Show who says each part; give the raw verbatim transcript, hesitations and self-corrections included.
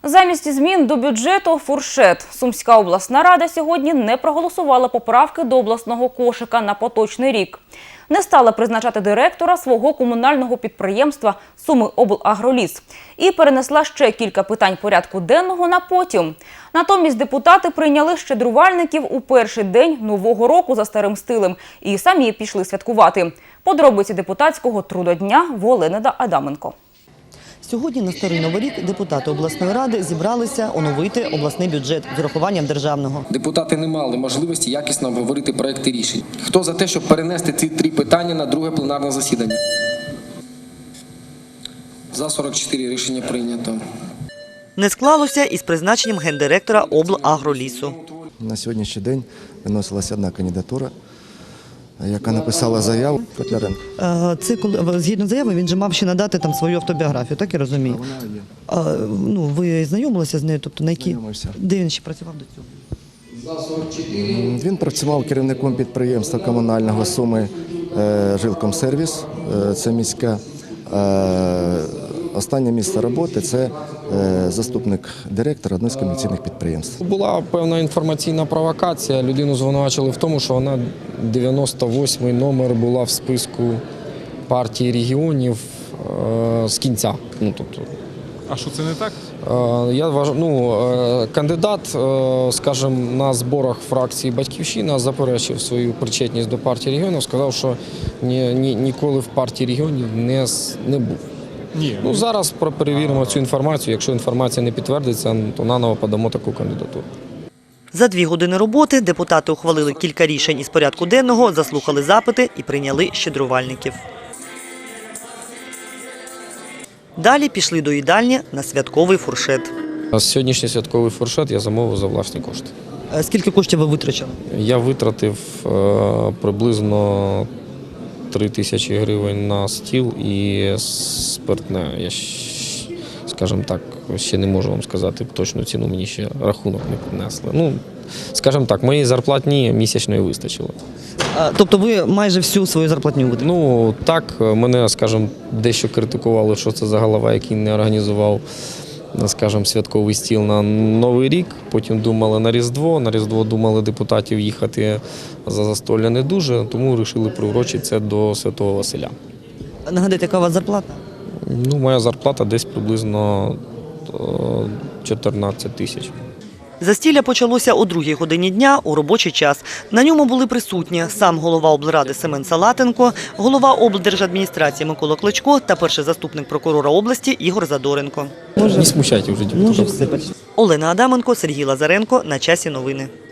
Speaker 1: Замість змін до бюджету – фуршет. Сумська обласна рада сьогодні не проголосувала поправки до обласного кошика на поточний рік. Не стала призначати директора свого комунального підприємства «Сумиоблагроліс» і перенесла ще кілька питань порядку денного на потім. Натомість депутати прийняли щедрувальників у перший день Нового року за старим стилем і самі пішли святкувати. Подробиці депутатського трудодня в Олени Адаменко.
Speaker 2: Сьогодні на Старий Новий рік депутати обласної ради зібралися оновити обласний бюджет з урахуванням державного.
Speaker 3: Депутати не мали можливості якісно обговорити проекти рішень. Хто за те, щоб перенести ці три питання на друге пленарне засідання? За сорок чотири рішення прийнято.
Speaker 2: Не склалося із призначенням гендиректора облагролісу.
Speaker 4: На сьогоднішній день виносилася одна кандидатура, яка написала заяву. Котляренко.
Speaker 2: Це коли згідно заяви він же мав ще надати там свою автобіографію, так я розумію.
Speaker 4: Вона є.
Speaker 2: А, ну ви знайомилися з нею, тобто на які
Speaker 4: Знайомився.
Speaker 2: де він ще працював до цього?
Speaker 4: Він працював керівником підприємства комунального Суми «Жилкомсервіс». Це міська. Останнє місце роботи – це заступник директора одного з комерційних підприємств.
Speaker 3: Була певна інформаційна провокація. Людину звинувачили в тому, що вона дев'яносто восьмий номер була в списку партії регіонів е, з кінця. Ну, тобто,
Speaker 5: А що це не так?
Speaker 3: е, я вважаю, ну, е, кандидат, е, скажімо, на зборах фракції «Батьківщина» заперечив свою причетність до партії регіонів, сказав, що ні, ні, ніколи в партії регіонів не, не був.
Speaker 5: Ні.
Speaker 3: Ну, зараз перевіримо цю інформацію. Якщо інформація не підтвердиться, то наново подамо таку кандидатуру.
Speaker 2: За дві години роботи депутати ухвалили кілька рішень із порядку денного, заслухали запити і прийняли щедрувальників. Далі пішли до їдальні на святковий фуршет.
Speaker 3: А сьогоднішній святковий фуршет я замовив за власні кошти.
Speaker 2: Скільки коштів ви витрачали?
Speaker 3: Я витратив е, приблизно три тисячі гривень на стіл і спиртне. Я, скажімо так, ще не можу вам сказати точну ціну, мені ще рахунок не принесли. Ну, скажімо так, моєї зарплатні місячної вистачило.
Speaker 2: А, тобто ви майже всю свою зарплатню витратили?
Speaker 3: Ну, так, мене, скажімо, дещо критикували, що це за голова, який не організував, скажімо, святковий стіл на Новий рік. Потім думали на Різдво. На Різдво думали депутатів їхати за застолля не дуже, тому вирішили приурочити це до Святого Василя.
Speaker 2: Нагадайте, яка у вас зарплата?
Speaker 3: Ну, моя зарплата десь приблизно чотирнадцять тисяч.
Speaker 2: Застілля почалося о другій годині дня у робочий час. На ньому були присутні сам голова облради Семен Салатенко, голова облдержадміністрації Микола Кличко та перший заступник прокурора області Ігор Задоренко.
Speaker 3: Не смущайте вже депутатів.
Speaker 2: Олена Адаменко, Сергій Лазаренко. На часі новини.